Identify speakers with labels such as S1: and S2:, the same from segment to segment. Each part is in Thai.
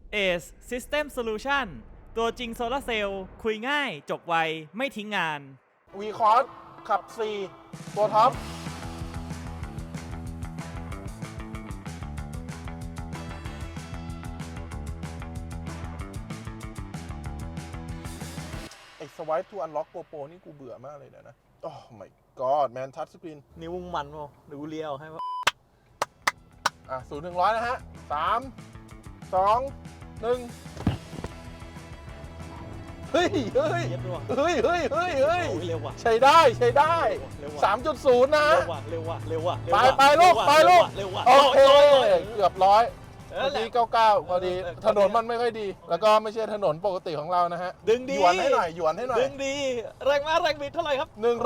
S1: ACE System Solution ตัวจริงโซลาร์เซลล์คุยง่ายจบไวไม่ทิ้งงาน
S2: วีคอร์สขับ 4 ตัวท็อปไอ้ Swipe to Unlock GoPro นี่กูเบื่อมากเลยนะโอ้ my god man touch screen
S3: นิ้วมึงมันป่ะหรือกูเลี้ยวให้ป่ะ
S2: 0-100 นะฮะ 3 2 1 เฮ้ย เฮ้ย
S3: เย็ดด้วย
S2: เฮ้ย เฮ้ย เฮ้ย เฮ้ย
S3: โอ้ยเร็วว่ะ
S2: ใช้ได้ ใช้ได้
S3: เร็วว่ะ
S2: 3.0 นะ
S3: เร็วว่ะเร็วว่ะเร็วว่ะ
S2: ไปลูกไปลูก
S3: เร็วว่ะ
S2: โอเค เกือบร้อย
S3: เอ
S2: พ
S3: อ
S2: อ
S3: แห
S2: ดี
S3: ละ
S2: 99พอดีถนนมันไม่ค่อยดี แล้วก็ไม่ใช่ถนนปกติของเรานะฮะ
S3: ดึงดี
S2: หยวนให้หน่อยหยวนให้หน่อย
S3: ดึงดีแรงม้าแรงบิดเท่าไหร่ครับ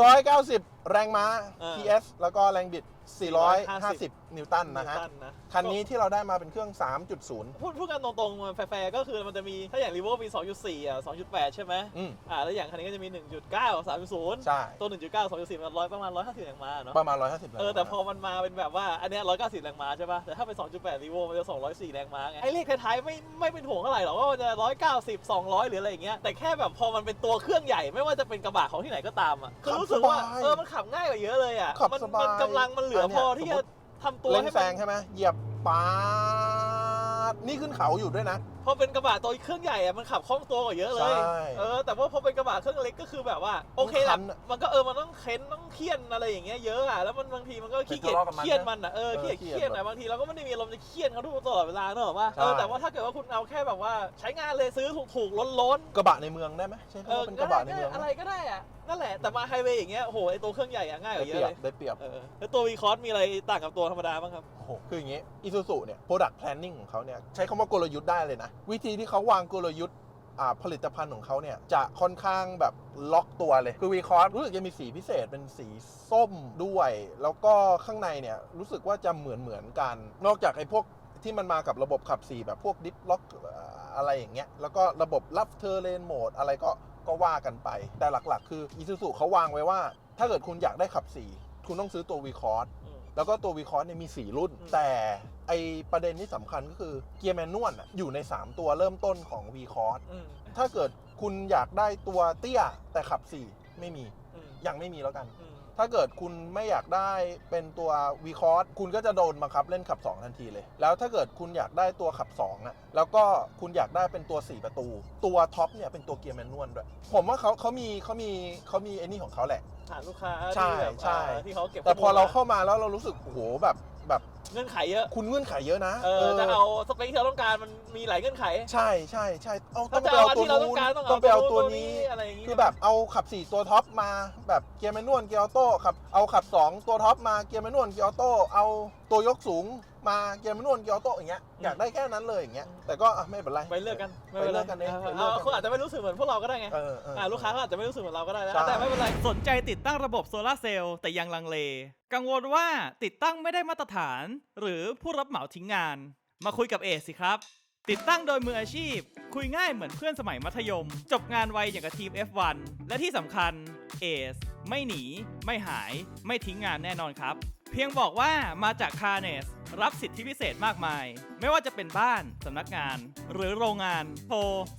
S2: 190 แรงม้า PS แล้วก็แรงบิด 450 นิวตันนะฮะ
S3: นิวตัน
S2: คันนี้ที่เราได้มาเป็นเครื่อง 3.0
S3: พูดกันตรงๆมันแฟร์ๆก็คือมันจะมีถ้าอย่างรีโวมี 2.4 อ่ะ 2.8 ใช่ไหม
S2: อืม
S3: แล้วอย่างคันนี้ก็จะมี 1.9 3.0
S2: ใช่
S3: ตัว 1.9 2.4 มันประมาณ 150 แรงม้าเนาะ
S2: ประมาณ 150 แรงม้า
S3: แต่พอมันมาเป็นแบบว่าอันเนี้ย190 แรงม้าใช่ป่ะ แต่ถ้าเป็น 2.8 รีโวมันจะ 204 แรงม้าไงไอ้เลขท้ายๆไม่เป็นห่วงเท่าไหร่หรอกว่ามันจะ 190 200 หรืออะไรอย่างเงี้ยแต่แค่แบบพอมันเป็นตัวเครื่องใหญ่ไม่ว่าจะเป็นกระบะของที่ไหนก็ตามอ่ะคือรู้สึกว่ามันขับง่ายกว่าเยอะเลยอ่ะ
S2: ขับ
S3: มัน
S2: สบาย
S3: กำลังมันเหลือพอที่จะทำตัว
S2: เร่ง
S3: ให้
S2: แซ
S3: มัน
S2: งใช่ไหมเหยียบปาดนี่ขึ้นเขาอยู่ด้วยนะ
S3: พอเป็นกระบะตัวเครื่องใหญ่อะมันขับคล่องตัวกว่าเยอะเลย
S2: ใช่
S3: แต่ว่าพอเป็นกระบะเครื่องเล็กก็คือแบบว่าโอเคแห
S2: คั
S3: ละ
S2: นอะ
S3: มันก็มันต้องเค้นต้องเคี่ยนอะไรอย่างเงี้ยเยอะอะแล้วมันบางทีมันก็ขี้เกียจ
S2: ไปทะเลาะกับมันนะ
S3: เคี่ยนมันอะขี้เกียจ
S2: เออ
S3: เคี่ยนอะบางทีเราก็ไม่ได้มีอารมณ์จะเคี่ยนเขาทุกตลอดเวลาเนอะว่า
S2: ใช่
S3: แต่ว่าถ้าเกิดว่าคุณเอาแค่แบบว่าใช้งานเลยซื้อถูกๆล้น
S2: กระบะในเมืองได้ไหมใช่
S3: ๆ
S2: คำว่าเป็นกระบะในเมือง
S3: อะไรก็ได้อะนั่นแหละแต่มาไฮเวย์อย่างเงี้ยโอ้โหไอตัวเครื่องใหญ่อะง่ายก
S2: ได้
S3: ว่าเย
S2: เป
S3: อะ
S2: รียบ
S3: เลย
S2: ได้เปรียบ
S3: แล้วตัววีคอร์สมีอะไรต่างกับตัวธรรมดาบ้างครับ
S2: โอ้โหคืออย่างงี้ Isuzu เนี่ย Product Planning ของเขาเนี่ยใช้คำว่ากลยุทธ์ได้เลยนะ วิธีที่เขาวางกลยุทธ์ผลิตภัณฑ์ของเขาเนี่ยจะค่อนข้างแบบล็อกตัวเลย คือ V-Cross รู้สึกจะมีสีพิเศษเป็นสีส้มด้วย แล้วก็ข้างในเนี่ยรู้สึกว่าจะเหมือนกัน นอกจากไอ้พวกที่มันมากับระบบขับ4แบบพวกดิฟล็อกอะไรอย่างเงี้ยแล้วก็ระบบรับเทอร์เลนโหมดอะไรก็ว่ากันไป แต่หลักๆ คือ Isuzu เขาวางไว้ว่า ถ้าเกิดคุณอยากได้ขับ4คุณต้องซื้อตัว V-Cross แล้วก็ตัว V-Cross เนี่ยมี4รุ่น แต่ไอประเด็นที่สำคัญก็คือเกียร์แมนนวลอยู่ใน3ตัวเริ่มต้นของ V-Cross ถ้าเกิดคุณอยากได้ตัวเตี้ยแต่ขับ4ไม่มียังไม่มีแล้วกัน ถ้าเกิดคุณไม่อยากได้เป็นตัว V-Cross คุณก็จะโดนบังคับเล่นขับ2ทันทีเลยแล้วถ้าเกิดคุณอยากได้ตัวขับ2อะแล้วก็คุณอยากได้เป็นตัว4ประตูตัวท็อปเนี่ยเป็นตัวเกียร์แมนนวลด้วยผมว่าเขามีไอ้นี่ของเขาแหละ
S3: ฐานลูกค้า
S2: ใช่
S3: ที่แบบ
S2: ใช่
S3: ที่เขาเก็บ
S2: แต่พอเราเข้ามาแล้วเรารู้สึกโอ้โหแบบ
S3: เงื่อนไขเยอะ
S2: คุณเงื่อนไขเยอะนะ
S3: จะเอาสเปคที่เราต้องการมันมีหลายเงื่อนไข
S2: ใช่ต้
S3: ถ้า
S2: อง
S3: จะ
S2: ไป
S3: เอา
S2: เอา
S3: อัน
S2: ตัว
S3: ที่เราต้อ
S2: นู้
S3: ง
S2: น
S3: การ
S2: ต้องไปเอาตัวนี้
S3: อะไรอย่างงี้
S2: คือแบบเอาขับ4ตัวท็อปมาแบบเกียร์แมนนวลเกียร์ออโต้เอาขับ2ตัวท็อปมาเกียร์แมนนวลเกียร์ออโต้เอาตัวยกสูงมาเกียร์แมนนวลเกียร์ออโต้อย่างเงี้ยอยากได้แค่นั้นเลยอย่างเงี้ยแต่ก็ไม่เป็นไร
S3: ไปเลือกกัน
S2: ไปเลือกกันเองไปเลือกกัน
S3: เขาอาจจะไม่รู้สึกเหมือนพวกเราก็ได้ไง ลูกค้าเขาอาจจะไม่รู้สึกเหมือนเราก็ได้นะ
S2: ใช่
S3: แต่ไม่เป็นไร
S1: สนใจติดตั้งระบบโซลาร์เซลล์แต่ยังลังเล กังวลว่าติดตั้งไม่ได้มาตรฐาน หรือผู้รับเหมาทิ้งงาน มาคุยกับเอสิครับ ติดตั้งโดยมืออาชีพ คุยง่ายเหมือนเพื่อนสมัยมัธยม จบงานไวอย่างกับทีม F1 และที่สำคัญเอสไม่หนี ไม่หาย ไม่ทิ้งงานแน่นอนครับ เพียงบอกว่ามาจากคาร์เนสรับสิทธิพิเศษมากมาย ไม่ว่าจะเป็นบ้าน สำนักงาน หรือโรงงานโทร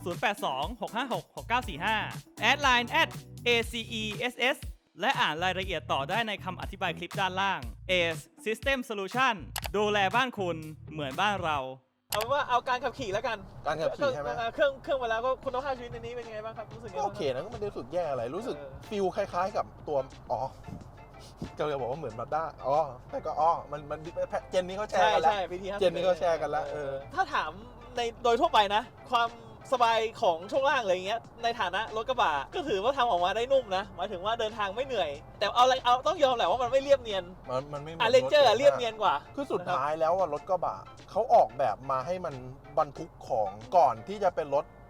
S1: 0826566945 แอดไลน์ @ACESS และอ่านรายละเอียดต่อได้ในคำอธิบายคลิปด้านล่าง ACE System Solution ดูแลบ้านคุณเหมือนบ้านเรา
S3: เอาเป็นว่าเอาการขับขี่แล้วกัน
S2: การขับขี่ใช่ไหม
S3: เครื่องไปแล้วก็คุณภาพชีวิตในนี้เป็นยังไงบ้างครับรู้สึกยังไง
S2: โอ
S3: บ้าง
S2: เคนะก็ไม่ได้รู้สึกแย่อะไรรู้สึกฟิลคล้ายๆกับตัวก็เลยบอกว่าเหมือนมาด้าแต่ก็มันเจนนี้เขาแชร์กันแล้ว
S3: ใช่พีที50
S2: เจนนี้เขาแชร์กันแล้ว
S3: ถ้าถามในโดยทั่วไปนะ ความสบายของช่วงล่างอะไรอย่างเงี้ยในฐานะรถกระบะก็ถือว่าทำออกมาได้นุ่มนะหมายถึงว่าเดินทางไม่เหนื่อย แต่เอาต้องยอมแหละว่ามันไม่เรียบเนียน
S2: มันไม่หมื
S3: เรนเจอร์เรียบเนียนกว่า
S2: คือสุดท้ายแล้วรถกระบะเขาออกแบบมาให้มันบรรทุกของก่อนที่จะเป็นรถ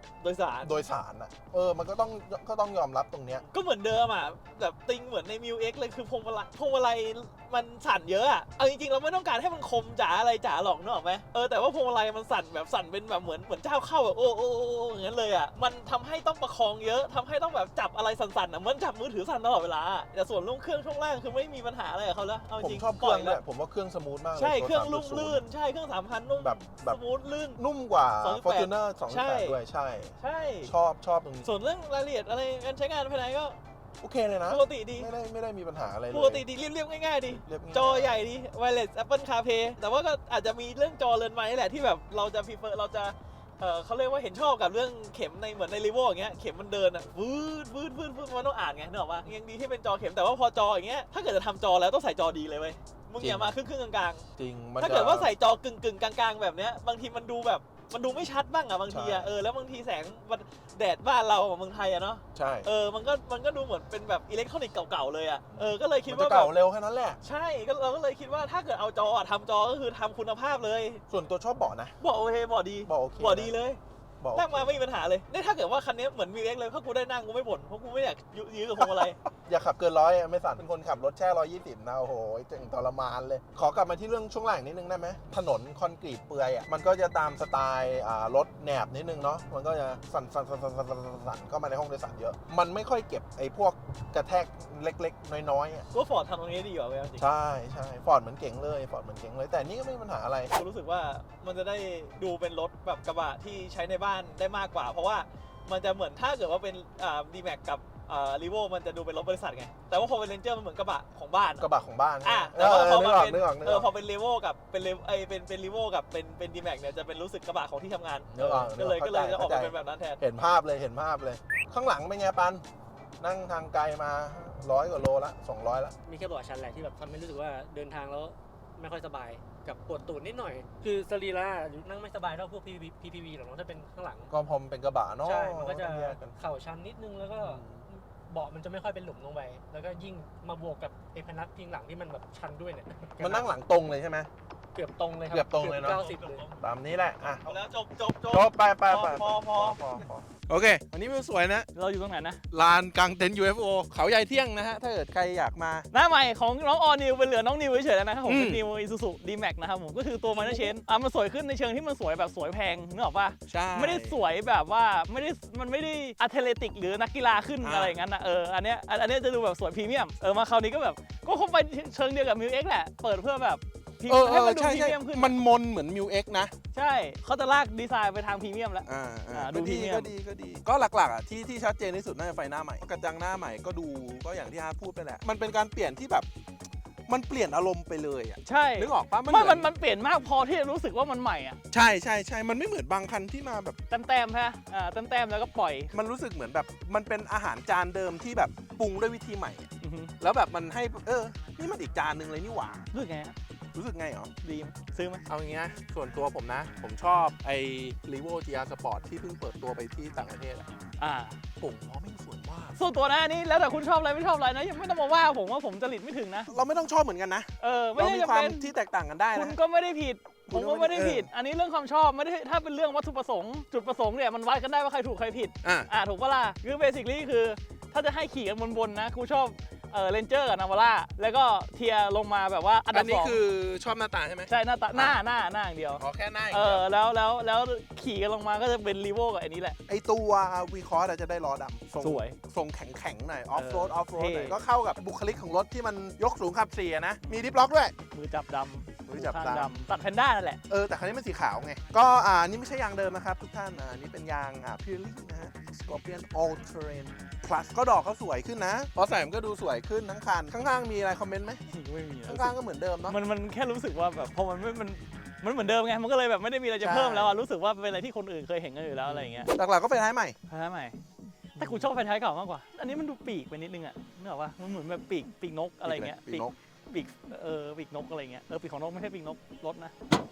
S3: โดยสาร
S2: โดยสารอ่ะมันก็ต้องยอมรับตรงเนี้ย
S3: ก็เหมือนเดิมอ่ะแบบติงเหมือนในมิวเอ็กเลยคือพวงมาลัยมันสั่นเยอะอ่ะเอาจริงๆเราไม่ต้องการให้มันคมจ๋าอะไรจ๋าหรอกนึกออกไหมแต่ว่าพวงมาลัยมันสั่นแบบสั่นเป็นแบบเหมือนเจ้าเข้าแบบโอ้อย่างนั้นเลยอ่ะมันทำให้ต้องประคองเยอะทำให้ต้องแบบจับอะไรสั่นๆอ่ะเหมือนจับมือถือสั่นตลอดเวลาแต่ส่วนลงเครื่องช่วงล่างคือไม่มีปัญหาอะไรกับเขาแล้วเอาจ
S2: ผม
S3: ริง
S2: ชอบเครื่องเนี่ยผมว่าเครื่องสมูทมากเลย
S3: ใช่เครื่อง
S2: ตัว
S3: ลุ่ม
S2: 3.0
S3: ลื่นใช่เครื่อง 3,000 นุ่ม
S2: แบบ
S3: สมูทลื่น
S2: นุ่มกว่า
S3: 2.8
S2: Fortuner
S3: ใช่
S2: 2.8 ด้วยใช่
S3: ใช่
S2: ชอบตรงนี้
S3: ส่วนเรื่องรายละเอียดอะไรการใช้งานภายในก็
S2: โอเคเลยนะ
S3: ปกติดี
S2: ไม่ได้มีปัญหาอะไรเลย
S3: ปกติดีเรียบๆง่ายๆดี
S2: เรียบง่าย
S3: จอใหญ่ดี Wireless Apple CarPlay แต่ว่าก็อาจจะมีเรื่องจอเรือนไม้นี่แหละที่แบบเราจะ prefer เราจะเขาเรียกว่าเห็นชอบกับเรื่องเข็มในเหมือนในรีโวอย่างเงี้ยเข็มมันเดินอ่ะวืดมันต้องอ่านไงนึกออกปะยังดีที่เป็นจอเข็มแต่ว่าพอจออย่างเงี้ยถ้าเกิดจะทำจอแล้วต้องใส่จอดีเลยเว้ยมึงอย่ามาครึ่งกลาง
S2: จริง
S3: ๆถ้าเกิดว่าใส่จอกึ่งกลางๆแบบเนี้ยบางทีมันดูแบบมันดูไม่ชัดบ้างอ่ะบางทีอ่ะ
S2: ใช่
S3: แล้วบางทีแสงแดดบ้านเราเมืองไทยอ่ะเนาะ
S2: ใช่
S3: มันก็ดูเหมือนเป็นแบบอิเล็กทรอนิกส์เก่าๆเลยอ่ะก็เลยคิด
S2: มันจะ
S3: ว่าแบ
S2: เก่า
S3: บ
S2: เร็วแค่นั้นแหละ
S3: ใช่เราก็เลยคิดว่าถ้าเกิดเอาจอทำจอก็คือทำคุณภาพเลย
S2: ส่วนตัวชอบเบาะนะ
S3: บอกโอเคบอกดี
S2: เบาะโอเค
S3: บอกดีเลย
S2: เบาะโอ
S3: นั่ง
S2: เค
S3: มาไม่มีปัญหาเลยนี่ถ้าเกิดว่าคันนี้เหมือนมีเอ็กเลยถ้ากูได้นั่งกูไม่บ่นเพราะกูไม่อยากยื้อกับพวงมาลัย
S2: อย่าขับเกิน100อะไม่สั่นเป็นคนขับรถแค่120นะโอ้โหเจ๋งทรมานเลย ขอกลับมาที่เรื่องช่วงหลังนิดนึงได้ไหมถนนคอนกรีตเปลือยอ่ะมันก็จะตามสไตล์รถแหนบนิดนึงเนาะมันก็จะสั่นเข้ามาในห้องโดยสารเยอะ มันไม่ค่อยเก็บไอ้พวกกระแทกเล็กๆน้อยๆอ่ะ
S3: ก็ฟอร์ดทำตรงนี้ดีกว่าเว้ยจริง
S2: ใช่ฟอร์ดเหมือนเก๋งเลยแต่นี่ก็ไม่มีปัญหาอะไร
S3: กูรู้สึกว่ามันจะได้ดูเป็นรถแบบกระบะที่ใช้ในบ้านได้มากกว่า เพราะว่ามันจะเหมือนถ้าเกิดว่าเป็นD-Max กับรีโวมันจะดูเป็นรถบริษัทไงแต่ว่าพอเป็นเรนเจอร์มันเหมือนกระบะของบ้าน
S2: กระบะของบ้าน
S3: แต่ว่าพอ
S2: นึ
S3: มาก
S2: ออก
S3: เป็น
S2: นึกออก
S3: พอเป็นรีโวกับเป็นรีโวกับเป็นดีแม็กเนี่ยจะเป็นรู้สึกกระบะของที่ทำงาน
S2: นึกออก
S3: ก็เลยจะออกมา
S2: เข้าใจ
S3: เป็นแบบนั้นแทน
S2: เห็นภาพเลยข้างหลังเป็นไงปันนั่งทางไกลมา100 กว่าโลละ200ละ
S4: มีแค่เบาะชั้นแหละที่แบบทำให้รู้สึกว่าเดินทางแล้วไม่ค่อยสบายกับปวดตูดนิดหน่อย คือสรีระนั่งไม่สบายเท่าพวก PPV หรอกเนอะถ้าเป็นข้างหลัง
S2: ก็พอมนเป็นกระบะเนาะ
S4: ใช่ มันก็จะ
S2: ต้องแยกกัน
S4: เข่าชันนิดนึงแล้วก็เบาะมันจะไม่ค่อยเป็นหลุมลงไป แล้วก็ยิ่งมาบวกกับไอ้พนักพิงหลังที่มันแบบชันด้วยเนี่ย
S2: มันนั่งหลังตรงเลยใช่ไหม
S4: เกือบตรงเลยครับ
S2: เกือบตรงเลยเนอะ
S4: 90เลย
S2: ตามนี้แหละอ่ะ
S3: เอาแล้วจบ
S2: จบไป
S3: พอ
S2: โอเคอันนี้วิวสวยนะ
S1: เราอยู่ตรงไหนนะ
S2: ลานกลางเต็นท์ UFO เขาใหญ่เที่ยงนะฮะถ้าเกิดใครอยากมา
S1: หน้าใหม่ของน้องออนิวเป็นเหลือน้องนิวเฉยๆแล้วนะครับผม
S2: อืม
S1: เป็นนิวอิซูซุดีแม็กนะครับผมก็คือตัวมันเชนมันสวยขึ้นในเชิงที่มันสวยแบบสวยแพงนึกออกปะ
S2: ใช่
S1: ไม่ได้สวยแบบว่ามันไม่ได้อะเทเลติกหรือนักกีฬาขึ้น
S2: อ่า
S1: อะไรอย่างนั้นนะอันเนี้ยจะดูแบบสวยพรีเมียมมาคราวนี้ก็แบบก็คงไปเชิงเดียวกับมิวเอ็กแหละเปิดเพื่อแบบให้มันดูพรีเมียมขึ้น
S2: มันมนเหมือน Mu X นะ
S1: ใช่เขาจะลากดีไซน์ไปทางพรีเมียมแล้ว ดู
S2: ก็
S1: พรี
S2: ดี
S1: เมียม
S2: ก็ดีก็หลักๆอ่ะที่ชัดเจนที่สุดน่าจะไฟหน้าใหม่กระจังหน้าใหม่ก็ดูก็อย่างที่ฮาร์ดพูดไปแหละมันเป็นการเปลี่ยนที่แบบมันเปลี่ยนอารมณ์ไปเลยอ่ะ
S1: ใช่
S2: นึกออกปะ
S1: ไม่
S2: เหอ
S1: มันเปลี่ยนมากพอที่จะรู้สึกว่ามันใหม่อ่ะ
S2: ใช่มันไม่เหมือนบางคันที่มาแบบ
S1: แต้มๆฮะแต้มๆแล้วก็ปล่อย
S2: มันรู้สึกเหมือนแบบมันเป็นอาหารจานเดิมที่แบบปรุงด้วยวิธีใหม่
S1: อือฮึ
S2: แล้วแบบมันให้นี่มันอีกจานหนึ่งเลยนี่หว่า
S1: รู้สึกไงฮะ
S2: รู้สึกไงหรอ
S1: ดีไหมซื้อไหม
S2: เอาอย่างเงี้ยส่วนตัวผมนะ ผมชอบไอ้ Revo GR Sport ที่เพิ่งเปิดตัวไปที่ต่างประเทศอะ ผมว่าไม่สวยมาก
S1: ส่วนตัวนะอันนี้แล้วแต่คุณชอบอะไรไม่ชอบอะไรนะยังไม่ต้องมาว่าผมว่าผมจริตไม่ถึงนะ
S2: เราไม่ต้องชอบเหมือนกันนะ
S1: ไม่
S2: เรา
S1: ได้
S2: มี
S1: จะ
S2: ความ
S1: เป็น
S2: ที่แตกต่างกันได้
S1: คุ
S2: นะ
S1: ณก็ไม่ได้ผิด
S2: คุ
S1: ผม
S2: ณก็
S1: ก็
S2: ไม่
S1: ไม่
S2: ได้
S1: ได้ผิด อันนี้เรื่องความชอบไม่ได้ถ้าเป็นเรื่องวัตถุประสงค์จุดประสงค์เนี่ยมันวัดกันได้ว่าใครถูกใครผิด ถูกปะล่ะคือเบสิคลี่คือถ้าจะให้ขี่กันบนๆนะกูชอบเรนเจอร์กับนาวาร่าแล้วก็เทียร์ลงมาแบบว่าอันดั
S2: อั
S1: บ
S2: นนี้
S1: สอง
S2: คือชอบหน้าตาใช่ไหม
S1: ใช่หน้าตาหน้าอย่างเดียว
S2: อ๋อแค่หน้าอย่าง
S1: เอ
S2: เดี
S1: อ
S2: ยว
S1: แล้วขี่กันลงมาก็จะเป็นรีโวกับอันนี้แหละ
S2: ไอตัววีคอร์จะได้ล้อดำทรง
S1: สวย
S2: ทรงแข็งๆหน่อยออฟโรดหน่อย
S1: เท่
S2: ก็เข้ากับบุคลิกของรถที่มันยกสูงขับ4อะนะ มีดิฟล็อกด้วย
S1: มือจับดำ
S2: มือจับดำ
S1: ข้างตัดแพนด้านั่นแหละ
S2: แต่คันนี้มันสีขาวไง ก็นี่ไม่ใช่ยางเดิมนะครับ ทุกท่านนี่เป็นยางพิเรลี่นะฮะ Scorpion All Terrain Plus ก็ดอกเขาสวยขึ้นนะ พอใส่มันก็ดูสวยขึ้นทั้งคัน ข้างๆมีอะไรคอมเมนต์ไหม
S1: ไม่มี
S2: ข้างๆก็เหมือนเดิมเนาะ
S1: มันแค่รู้สึกว่าแบบพอมันไม่มันเหมือนเดิมไงมันก็เลยแบบไม่ได้มีอะไรจะ
S2: ใช่
S1: เพิ่มแล้วรู้สึกว่าเป็นอะไรที่คนอื่นเคยเห็นกันอยู่แล้วอะไรอย่างเงี้ย
S2: หลักๆก็ไฟท้ายใหม่
S1: ไฟท้ายใหม่แต่กูชอบไฟท้ายเก่ามากกว่า อันนี้มันดูปีกไปนิดนึงอ่ะนึกออกปะมันเหมือนแบบปีกนกอะไรเงี้ย
S2: ปีกนก
S1: ปีกปีกนกอะไรเงี้ยปีกของนกไม่ใช่ปีกนกรถนะ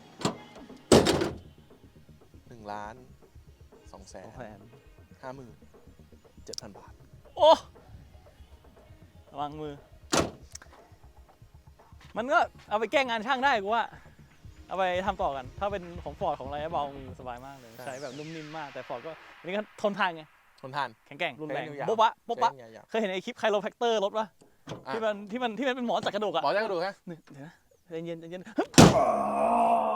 S2: 1,257,000 บาท
S1: โอ้ระวังมือ มันก็เอาไปแก้งานช่างได้กูว่า
S3: เอาไปทำต่อกัน ถ้าเป็นของฟอร์ดของอะไรเบาสบายมากเลย ใช้แบบนุ่มนิ่มมาก แต่ฟอร์ดก็อันนี้ก็ทนทานไง
S2: ทนทาน
S3: แข็งแกร่งรุนแรง
S2: ใช้นิ้วยาว
S3: โบ๊ะบะโบ๊ะบะ
S2: ใช้นิ้วยาว
S3: เคยเห็นไอ้คลิปไคโรแพคเตอร์รถปะ
S2: อ่ะ
S3: ที่มันเป็นหมอนจัดกระดูกอะ
S2: หมอจะกระดูกฮะ
S3: เดี๋ยวนะเย็น